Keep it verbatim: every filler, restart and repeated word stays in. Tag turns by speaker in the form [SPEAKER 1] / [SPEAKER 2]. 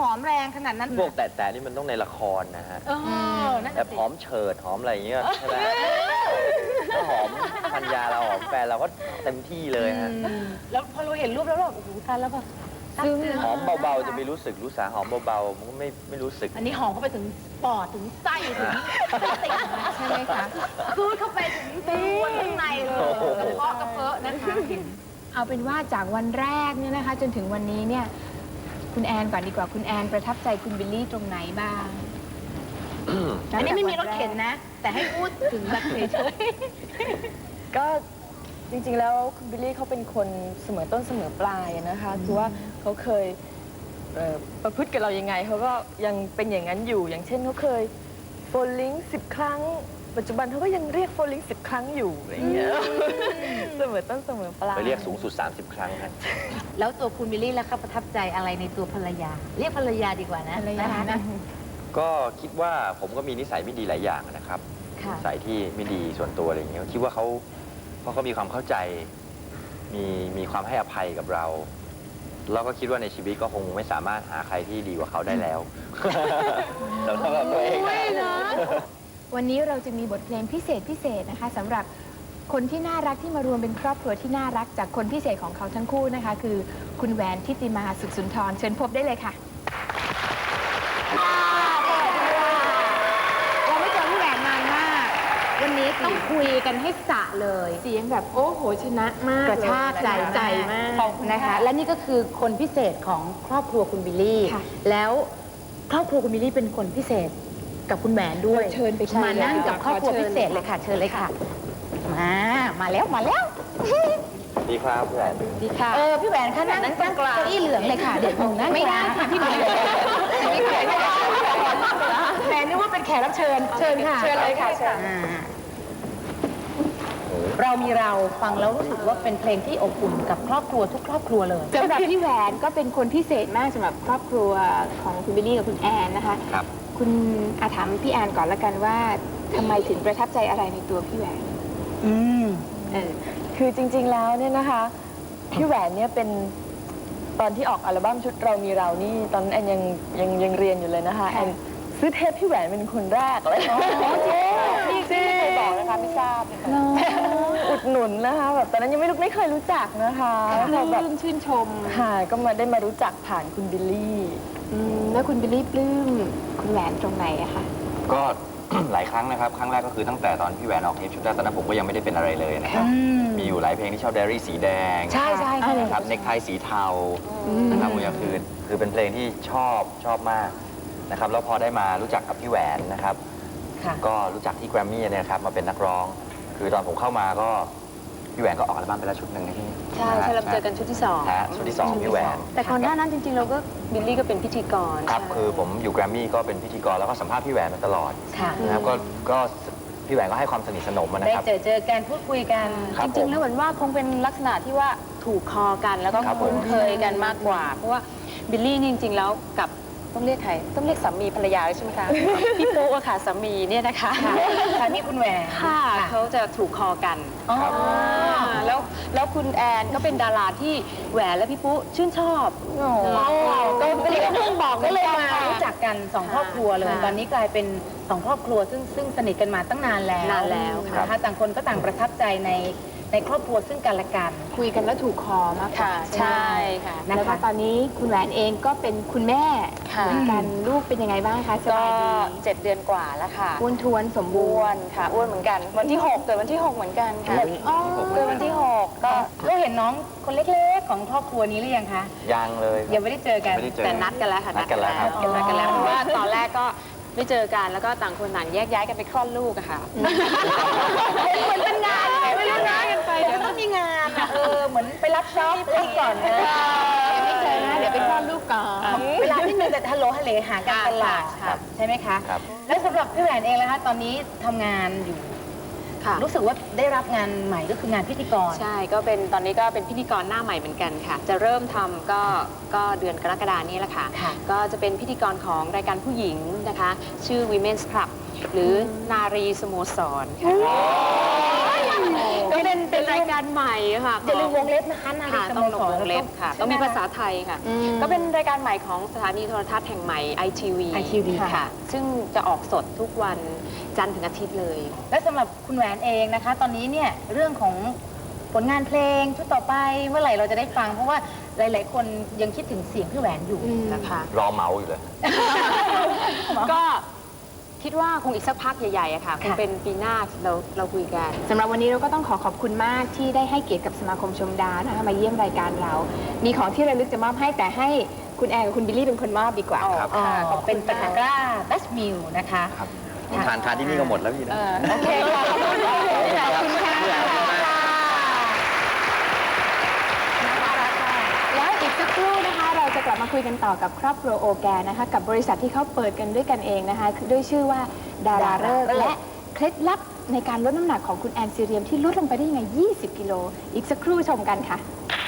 [SPEAKER 1] อมแรงขนาดนั้น
[SPEAKER 2] พวกแต่แต่นี่มันต้องในละครนะฮะแต่หอมเฉิดหอมอะไรอย่างเงี้ยใช่ไหมถ้าหอมพันยาเราหอมแฟนเราก็เต็มที่เลยฮะ
[SPEAKER 1] แล้วพอเราเห็นรูปแล้วเราโอ้โหตายแล้วแบบซึ่ง
[SPEAKER 2] หอมเบาๆจะไม่รู้สึกรู้สาหอมเบาๆมันก็ไม่ไม่รู้สึก
[SPEAKER 1] อันนี้หอมเข้าไปถึงปอดถึงไส้ถึงติ่งใช่ไหมคะคืดเข้าไปถึงตัวข้างในเลยกระเพาะกระเพาะนะคะ
[SPEAKER 3] เอาเป็นว่าจากวันแรกเนี่ยนะคะจนถึงวันนี้เนี่ยคุณแอนก่อนดีกว่าคุณแอนประทับใจคุณบิลลี่ตรงไหนบ้าง
[SPEAKER 1] อันนี้ไม่มีรถเข็นนะ แต่ให้พูดถึงแบบเฉย
[SPEAKER 4] ๆก็จริงๆแล้วคุณบิลลี่เขาเป็นคนเสมอต้นเสมอปลายนะคะคือว่าเขาเคยประพฤติกับเรายังไงเขาก็ยังเป็นอย่างนั้นอยู่อย่างเช่นเขาเคยโฟลลิงสิบครั้งปัจจุบันเขาก็ยังเรียกโฟลลิงสิบครั้งอยู่อย่างเงี้ยเสมอต้นเสมอปลาย
[SPEAKER 2] ไปเรียกสูงสุดสามสิบครั้งครับ
[SPEAKER 1] แล้วตัวคุณบิลลี่แล้วครับประทับใจอะไรในตัวภรรยาเรียกภรรยาดีกว่านะภรรยานะ
[SPEAKER 2] ก็คิดว่าผมก็มีนิสัยไม่ดีหลายอย่างนะครับนิสัยที่ไม่ดีส่วนตัวอะไรอย่างเงี้ยคิดว่าเขาเพราะเขามีความเข้าใจมีมีความให้อภัยกับเราเราก็คิดว่าในชีวิตก็คงไม่สามารถหาใครที่ดีกว่าเขาได้แล้วสำหรับตัวเองนะ
[SPEAKER 3] วันนี้เราจะมีบทเพลงพิเศษพิเศษนะคะสำหรับคนที่น่ารักที่มารวมเป็นครอบครัวที่น่ารักจากคนพิเศษของเขาทั้งคู่นะคะคือคุณแหวนทิติมาสุขสุนทรเชิญพบได้เลยค่ะ
[SPEAKER 1] เราไม่เจอพี่แหวนนานมากวันนี้ต้องคุยกันให้สะเลย
[SPEAKER 3] เสียงแบบโอ้โหชนะมาก
[SPEAKER 1] กระชากใจ
[SPEAKER 3] ใจมาก
[SPEAKER 1] นะคะและนี่ก็คือคนพิเศษของครอบครัวคุณบิลลี่แล้วครอบครัวคุณบิลลี่เป็นคนพิเศษกับคุณแหวนด้วย
[SPEAKER 3] เชิญไป
[SPEAKER 1] มานั่งกับครอบครัวพิเศษเลยค่ะเชิญเลยค่ะมามาแล้วมาแล้ว
[SPEAKER 2] ดีครับพี่แหวน
[SPEAKER 1] ดีค่ะเออพี่แหวนค่ะนั่งนั่งเก้าอี้เหลืองเลยค่ะเดี๋ยวหนูนั่งไม่ได้ค่ะพี่แหวนพี่แหวนแหวนนึกว่าเป็นแขกรับเชิญเชิญค่ะ
[SPEAKER 3] เชิญเลยค่ะเชิญ
[SPEAKER 1] เรามีเราฟังแล้วรู้สึกว่าเป็นเพลงที่อบอุ่นกับครอบครัวทุกครอบครัวเลย
[SPEAKER 3] สำหรับพี่แหวนก็เป็นคนพิเศษมากสำหรับครอบครัวของคุณบิลลี่กับคุณแอนนะคะ
[SPEAKER 2] ครับ
[SPEAKER 3] คุณอาถามพี่แอนก่อนละกันว่าทำไมถึงประทับใจอะไรในตัวพี่แหวน
[SPEAKER 4] อืมเออคือจริงๆแล้วเนี่ยนะคะพี่แหวนเนี่ยเป็นตอนที่ออกอัลบั้มชุดเรามีเรานี่ตอนนั้นแอนยังยังยังเรียนอยู่เลยนะคะแอนซื้อเทปพี่แหวนเป็นคนแรกเลยอ๋อเจ๊พี่เจ๊ไม่เคยบอกนะคะไม่ทราบอุดหนุนนะคะแบบตอนนั้นยังไม่รู้ไม่เคยรู้จักนะคะ
[SPEAKER 3] เราแบบชื่นชม
[SPEAKER 4] ค่ะก็มาได้มารู้จักผ่านคุณบิลลี่
[SPEAKER 3] แล้วคุณบิลลี่ปลื้มคุณแหวนตรงไหนอะคะ
[SPEAKER 2] ก็หลายครั้งนะครับครั้งแรกก็คือตั้งแต่ตอนพี่แหวนออกเทปชุดแรกตอนนั้นผมก็ยังไม่ได้เป็นอะไรเลยนะครับมีอยู่หลายเพลงที่ชอบไดอารี่สีแดง
[SPEAKER 1] ใช่ใช่
[SPEAKER 2] ครับเน็กไทสีเทานะครับมือคืนคือเป็นเพลงที่ชอบชอบมากนะครับแล้วพอได้มารู้จักกับพี่แหวนนะครับก็รู้จักที่แกรมมี่เนี่ยครับมาเป็นนักร้องคือตอนผมเข้ามาก็พี่แหวนก็ออกอัลบั้มไปแล้วชุดหนึ่งนะพี่
[SPEAKER 3] ใช่ใช่เราเจอกันชุดที่สอง
[SPEAKER 2] ชุดที่สองพี่แหวน
[SPEAKER 3] แต่ก่อนหน้านั้นจริงๆเราก็บิลลี่ก็เป็นพิธีกร
[SPEAKER 2] ครับคือผมอยู่แกรมมี่ก็เป็นพิธีกรแล้วก็สัมภาษณ์พี่แหวนมาตลอดนะครับก็ก็พี่แหวนก็ให้ความสนิทสนมนะครับ
[SPEAKER 1] ได้เจอเจอกันพูดคุยกัน
[SPEAKER 3] จริงๆแล้วเหมือนว่าคงเป็นลักษณะที่ว่าถูกคอกันแล้วก็คุ้นเคยกันมากกว่าเพราะว่าบิลลี่นี่จริงๆแล้วกับต้องเรียกใครต้องเรียกสามีภรรยาใช่ไหมคะพี่ปุ๊อะค่ะสามีเนี่ยนะคะ
[SPEAKER 1] สามีคุณแหวน
[SPEAKER 3] ค่ะเขาจะถูกคอกันแล้วแล้วคุณแอนก็เป็นดาราที่แหวนและพี่ปุ๊ชื่นชอบ
[SPEAKER 1] ก็เป็นเรื่องบอกก็เลยมารู้จักกันสองครอบครัวเลยตอนนี้กลายเป็นสองครอบครัวซึ่งซึ่งสนิทกันมาตั้งนานแล้ว
[SPEAKER 3] นานแล้ว
[SPEAKER 1] นะคะต่างคนก็ต่างประทับใจในในครอบครัวซึ่งกันและกัน
[SPEAKER 3] คุยกันแล้วถูกคอมากค่ะ
[SPEAKER 1] ใช่ค่ะ
[SPEAKER 3] แล้วก็ตอนนี้คุณแหวนเองก็เป็นคุณแม่เหมือนกันลูกเป็นยังไงบ้างคะสบายดี
[SPEAKER 5] เจ็ดเดือนกว่าแล้วค่ะ
[SPEAKER 3] อ้วนท้วนสมบูรณ์
[SPEAKER 5] ค่ะอ้วนเหมือนกันวันที่หกเกิดวันที่หกเหมือนกันค่ะเกิดวันที่หกก็
[SPEAKER 1] ก็เห็นน้องคนเล็กๆของครอบครัวนี้หรือยังคะ
[SPEAKER 2] ยังเลย
[SPEAKER 1] ยังไม่ได้เจอกัน
[SPEAKER 5] แต่นัดกันแล้วค่ะ
[SPEAKER 2] นัดกันแล้วครับ
[SPEAKER 5] นัดกันแล้วเพราะว่าตอนแรกก็ไม่เจอกันแล้วก็ต่างคนต่างแยกย้ายกันไปคลอดลูกอะค่ะ
[SPEAKER 1] เหมือนเป็นงานไม่รู้นะกันไปเดี๋ยวต้องมีงานเออเหมือนไปรับช็อปก่อนนะ
[SPEAKER 3] ไม่เจอนะเดี๋ยวไปคลอดลูกก่อน
[SPEAKER 1] เวลาที่มีแต่ฮัลโหลฮัลเลหากันตลาดใช่ไหมคะแล้วสำหรับพี่แหวนเองนะคะตอนนี้ทำงานอยู่รู้สึกว่าได้รับงานใหม่ก็คืองานพิธีกร
[SPEAKER 5] ใช่ก็เป็นตอนนี้ก็เป็นพิธีกรหน้าใหม่เหมือนกันค่ะจะเริ่มทำก็ก็เดือนกรกฎานี้แหละค่ะก็จะเป็นพิธีกรของรายการผู้หญิงนะคะชื่อ Women's Club หรือนารีสโมสรค่ะ
[SPEAKER 1] ก็เป็นเป็นราย
[SPEAKER 5] ายการใหม่ค่ะ
[SPEAKER 1] อย่าลืมวงเล็บนะคะนาฬิ
[SPEAKER 5] ค่ะ
[SPEAKER 1] กา
[SPEAKER 5] ต้อง
[SPEAKER 1] ส
[SPEAKER 5] ล
[SPEAKER 1] โม
[SPEAKER 5] ง
[SPEAKER 1] สร
[SPEAKER 5] วงเล็บค่ะ ต้องมีภาษาไทยค่ะ ก็เป็นรายการใหม่ของสถานีโทรทัศน์แห่งใหม่ ไอ ที วี
[SPEAKER 1] ไอ ที วี
[SPEAKER 5] ค่ะ ซึ่งจะออกสดทุกวันจันทร์ถึงอาทิตย์เลย
[SPEAKER 1] และสำหรับคุณแหวนเองนะคะ ตอนนี้เนี่ยเรื่องของผลงานเพลงชุดต่อไปเมื่อไหร่เราจะได้ฟัง เพราะว่าหลาย ๆ คนยังคิดถึงเสียงพี่แหวนอยู่นะคะ
[SPEAKER 2] รอเมาอยู่เลย
[SPEAKER 5] ก็คิดว่าคงอีกสักพักใหญ่ๆอะค่ะ คงเป็นปีหน้าเราเราคุยกัน
[SPEAKER 6] สำหรับวันนี้เราก็ต้องขอขอบคุณมากที่ได้ให้เกียรติกับสมาคมชมดาวนะคะมาเยี่ยมรายการเรา มีของที่ระลึกจะมอบให้แต่ให้คุณแอนกับคุณบิลลี่เป็นคนมอบดีกว่า
[SPEAKER 2] ครับ
[SPEAKER 1] อ๋อเป็นตะกร้าแบชมิลนะคะ
[SPEAKER 2] ครับทานทานที่นี่ก็หมดแล้วพี่นะ
[SPEAKER 1] โอเคค่ะขอบคุณค่ะ
[SPEAKER 2] ขอบคุณค่ะ
[SPEAKER 6] แล้วอีกสักครู่นะคะเราจะกลับมาคุยกันต่อกับครอบครัวโอแกนนะคะกับบริษัทที่เขาเปิดกันด้วยกันเองนะคะด้วยชื่อว่าดาราเลิกษ์และเคล็ดลับในการลดน้ำหนักของคุณแอนซีเรียมที่ลดลงไปได้ยังไง ยี่สิบ กิโลอีกสักครู่ชมกันค่ะ